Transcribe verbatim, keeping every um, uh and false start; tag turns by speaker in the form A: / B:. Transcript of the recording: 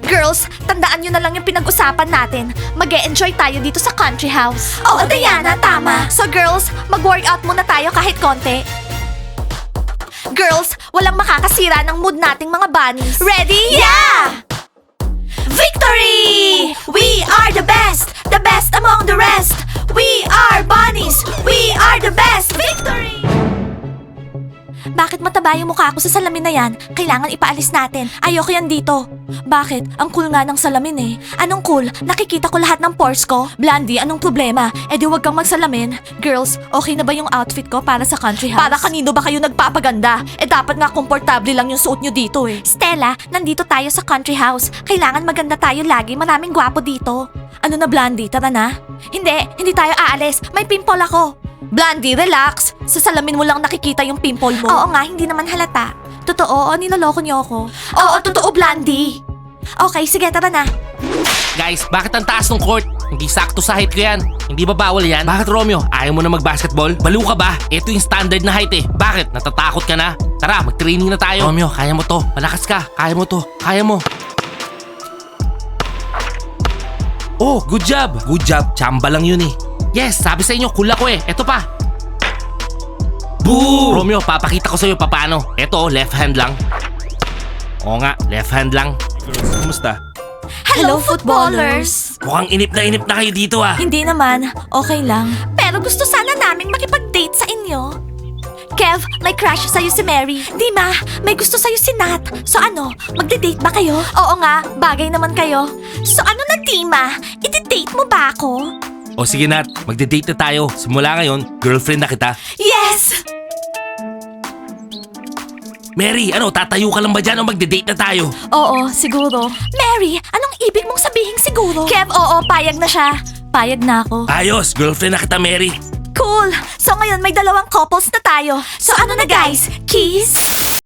A: Girls, tandaan nyo na lang yung pinag-usapan natin. Mag-e-enjoy tayo dito sa country house. Oo, Diana, tama. So girls, mag-workout muna tayo kahit konti. Girls, walang makakasira ng mood nating mga bunnies. Ready? Yeah! Victory! We are the best! The best among the rest! We are bunnies! We are the best! Victory! Bakit mataba yung mukha ko sa salamin na yan? Kailangan ipaalis natin. Ayoko yan dito. Bakit? Ang cool nga ng salamin eh. Anong cool? Nakikita ko lahat ng pores ko. Blandy, anong problema? Eh di wag kang magsalamin. Girls, okay na ba yung outfit ko para sa country house? Para kanino ba kayo nagpapaganda? Eh dapat nga komportable lang yung suot nyo dito eh. Stella, nandito tayo sa country house. Kailangan maganda tayo lagi. Maraming gwapo dito. Ano na Blandy? Tara na? Hindi, hindi tayo aalis. May pimple ako. Blandy, relax. Sa salamin mo lang nakikita yung pimple mo. Oo nga, hindi naman halata. Totoo, o niloloko niyo ako. Oo, totoo, Blandy. Okay, sige, tara na.
B: Guys, bakit ang taas ng court? Hindi sakto sa height ko yan. Hindi ba bawal yan? Bakit Romeo? Ayaw mo na mag-basketball? Baliw ka ba? Ito yung standard na height eh. Bakit? Natatakot ka na? Tara, mag-training na tayo. Romeo, kaya mo to. Malakas ka. Kaya mo to. Kaya mo. Oh, good job. Good job. Chamba lang yun eh. Yes, sabi sa inyo, cool ako eh. Eto pa. Boo! Romeo, papakita ko sa'yo paano. Eto, left hand lang. Oo nga, left hand lang. Kumusta?
A: Hello, footballers!
B: Mukhang inip na inip na kayo dito ah.
A: Hindi naman, okay lang. Pero gusto sana naming makipag-date sa inyo. Kev, may crush sa'yo si Mary. Dima, may gusto sa'yo si Nat. So ano, magde-date ba kayo? Oo nga, bagay naman kayo. So ano na, Dima? I-date mo ba ako?
B: O sige Nat, magde-date na tayo. Simula ngayon, girlfriend na kita.
A: Yes!
B: Mary, ano, tatayo ka lang ba dyan o magde-date na tayo?
A: Oo, siguro. Mary, anong ibig mong sabihin siguro? Kev, oo, payag na siya. Payag na ako.
B: Ayos, girlfriend na kita, Mary.
A: Cool! So ngayon may dalawang couples na tayo. So ano na guys? Kiss?